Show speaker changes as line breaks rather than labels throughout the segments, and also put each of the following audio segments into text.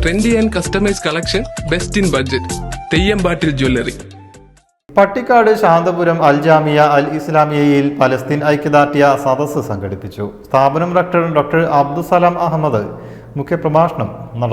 Trendy and customise collection, best in budget. Theyyampattil jewellery.
Pattikkad Santhapuram Al Jamia Al ഇസ്ലാമിയയിൽ Palestine ഐക്യദാർഢ്യ സദസ്സ് സംഘടിപ്പിച്ചു. സ്ഥാപനം റക്ടർ ഡോക്ടർ അബ്ദുസലാം അഹമ്മദ് മുഖ്യപ്രഭാഷണം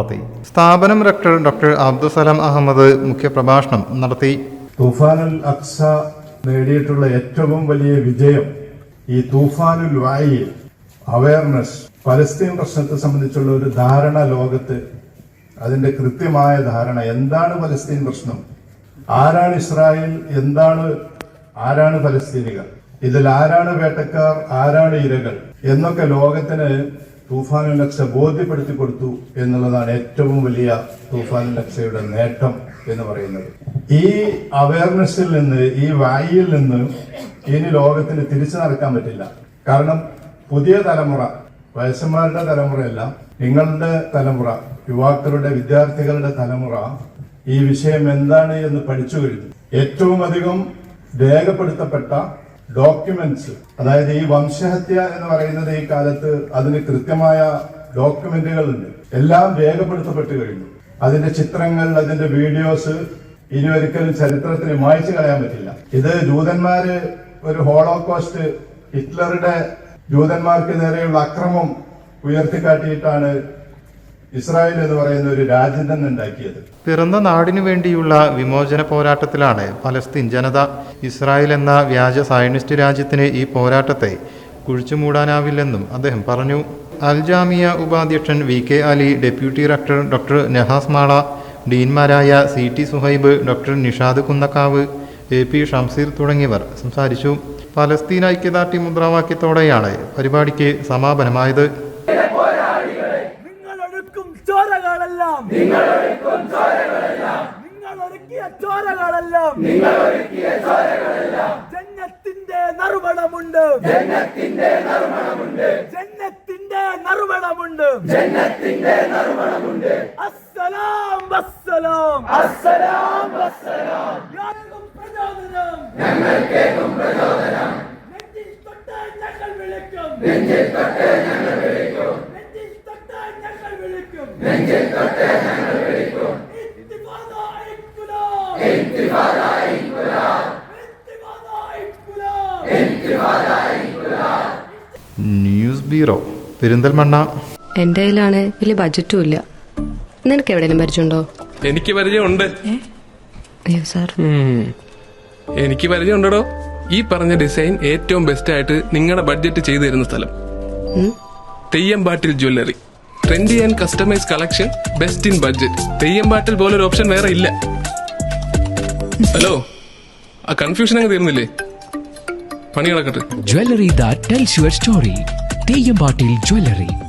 നടത്തി.
തൂഫാനുൽ അഖ്സ നേടിയിട്ടുള്ള ഏറ്റവും വലിയ വിജയം ഈ തൂഫാനുൽ വായി അവയർനെസ്, പലസ്തീൻ പ്രശ്നത്തെ സംബന്ധിച്ചുള്ള ഒരു ധാരണ ലോകത്ത്, അതിന്റെ കൃത്യമായ ധാരണ, എന്താണ് പലസ്തീൻ പ്രശ്നം, ആരാണ് ഇസ്രായേൽ, ആരാണ് പലസ്തീനികൾ, ഇതിൽ ആരാണ് വേട്ടക്കാർ, ആരാണ് ഇരകൾ എന്നൊക്കെ ലോകത്തിന് തൂഫാനുൽ അഖ്സ ബോധ്യപ്പെടുത്തി കൊടുത്തു എന്നുള്ളതാണ് ഏറ്റവും വലിയ തൂഫാനുൽ അഖ്സയുടെ നേട്ടം എന്ന് പറയുന്നത്. ഈ അവയർനെസ്സിൽ നിന്ന്, ഈ വായിൽ നിന്ന് ഇനി ലോകത്തിന് തിരിച്ചു നടക്കാൻ പറ്റില്ല. കാരണം പുതിയ തലമുറ, വയസ്സന്മാരുടെ തലമുറയല്ല, നിങ്ങളുടെ തലമുറ, യുവാക്കളുടെ, വിദ്യാർത്ഥികളുടെ തലമുറ ഈ വിഷയം എന്താണ് എന്ന് പഠിച്ചു കഴിഞ്ഞു. ഏറ്റവും അധികം രേഖപ്പെടുത്തപ്പെട്ട ഡോക്യുമെന്റ്സ്, അതായത് ഈ വംശഹത്യ എന്ന് പറയുന്നത് ഈ കാലത്ത് അതിന് കൃത്യമായ ഡോക്യുമെന്റുകൾ ഉണ്ട്, എല്ലാം രേഖപ്പെടുത്തപ്പെട്ടു കഴിഞ്ഞു. അതിന്റെ ചിത്രങ്ങൾ, അതിന്റെ വീഡിയോസ് ഇനി ഒരിക്കലും ചരിത്രത്തിന് മായ്ച്ചു കളയാൻ പറ്റില്ല. ഇത് ജൂതന്മാര് ഒരു ഹോളോകോസ്റ്റ്, ഹിറ്റ്ലറുടെ ജൂതന്മാർക്ക് നേരെയുള്ള അക്രമം ഉയർത്തിക്കാട്ടിയിട്ടാണ് ഇസ്രായേൽ എന്ന് പറയുന്ന ഒരു രാജ്യം തന്നെ ഉണ്ടാക്കിയത്.
പിറന്ന നാടിനു വേണ്ടിയുള്ള വിമോചന പോരാട്ടത്തിലാണ് പലസ്തീൻ ജനത. ഇസ്രായേൽ എന്ന വ്യാജ സയനിസ്റ്റ് രാജ്യത്തിന് ഈ പോരാട്ടത്തെ കുഴിച്ചുമൂടാനാവില്ലെന്നും അദ്ദേഹം പറഞ്ഞു. അൽ ജാമിയ ഉപാധ്യക്ഷൻ VK Ali, deputy rector doctor Nahas Mala, ഡീൻമാരായ CT Suhaib, doctor Nishad Kunnakkavu, AP Shamseer തുടങ്ങിയവർ സംസാരിച്ചു. പലസ്തീൻ ഐക്യദാർഢ്യ മുദ്രാവാക്യത്തോടെയാണ് പരിപാടിക്ക് സമാപനമായത്.
ജന്നത്തിന്റെ നറുമണമുണ്ട്, ജന്നത്തിന്റെ നറുമണമുണ്ട്. അസ്സലാം വസ്സലാം, അസ്സലാം വസ്സലാം. ഞങ്ങൾക്കേകും പ്രചോദനം, നെഞ്ചിൽ തൊട്ട് ഞങ്ങൾ വിളിക്കും, നെഞ്ചിൽ തൊട്ട് ഞങ്ങൾ വിളിക്കും, നെഞ്ചിൽ തൊട്ട് ഞങ്ങൾ വിളിക്കും, നെഞ്ചിൽ തൊട്ട് ഞങ്ങൾ വിളിക്കും. ഇൻതിഫാദാ ഇൻകുലാബ്, ഇൻതിഫാദാ ഇൻകുലാബ്, ഇൻതിഫാദാ ഇൻകുലാബ്, ഇൻതിഫാദാ ഇൻകുലാബ്.
News bureau, Perinthalmanna.
എന്റെ കയ്യിലാണ് വലിയ ബഡ്ജറ്റും ഇല്ല. നിനക്ക് എവിടെയും പരിചയമുണ്ടോ?
എനിക്ക് പരിചയമുണ്ട്.
അയ്യോ സാർ,
എനിക്ക് പരിചയമുണ്ടോ. ഈ പറഞ്ഞ ഡിസൈൻ ഏറ്റവും ബെസ്റ്റ് ആയിട്ട് നിങ്ങളുടെ ബഡ്ജറ്റ് ചെയ്തു തരുന്ന സ്ഥലം Theyyampattil jewellery. Trendy and customise collection, best in budget. Theyyampattil പോലൊരു ഓപ്ഷൻ വേറെ ഇല്ല. ഹലോ, ആ കൺഫ്യൂഷൻ അങ്ങ് തീർന്നില്ലേ? പണി കിടക്കട്ടെ.
Jewelry that tells your story. Theyyampattil jewellery.